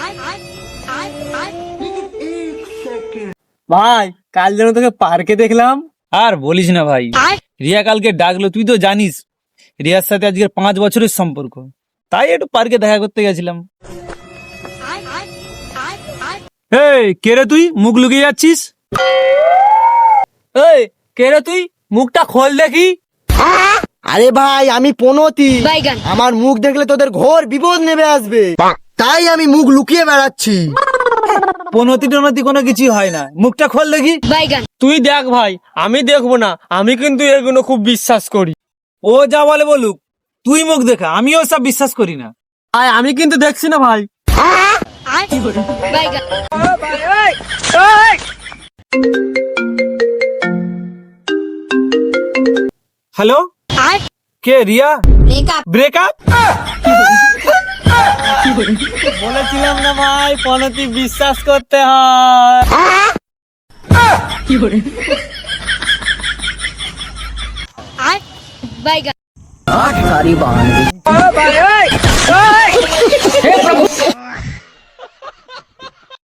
ভাই কাল যেন তোকে পার্কে দেখলাম। আর বলিস না ভাই, রিয়া কালকে ডাকলো, তুই তো জানিস রিয়ার সাথে আজকে 5 বছরের সম্পর্ক, তাই একটু পার্কে দেখা করতে গেছিলাম। এই কে রে তুই, মুখ লুকিয়ে যাচ্ছিস? এই কে রে তুই, মুখটা খোল দেখি। আরে ভাই আমি পনতি, আমার মুখ দেখলে তোদের ঘোর বিপদ নেমে আসবে, তাই আমি মুখ লুকিয়ে বেড়াচ্ছি। পনতি টনতি কোনো কিছু হয় না, মুখটা খোল দেখি। তুই দেখ ভাই, আমি দেখবো না, আমি কিন্তু এগুলো খুব বিশ্বাস করি। ও যা বলে বলুক, তুই মুখ দেখা, আমিও সব বিশ্বাস করি না। আমি কিন্তু দেখছি না ভাই। হ্যালো, কে রিয়া? ব্রেকআপ? বলেছিলাম না ভাই, পনতি বিশ্বাস করতে হয়।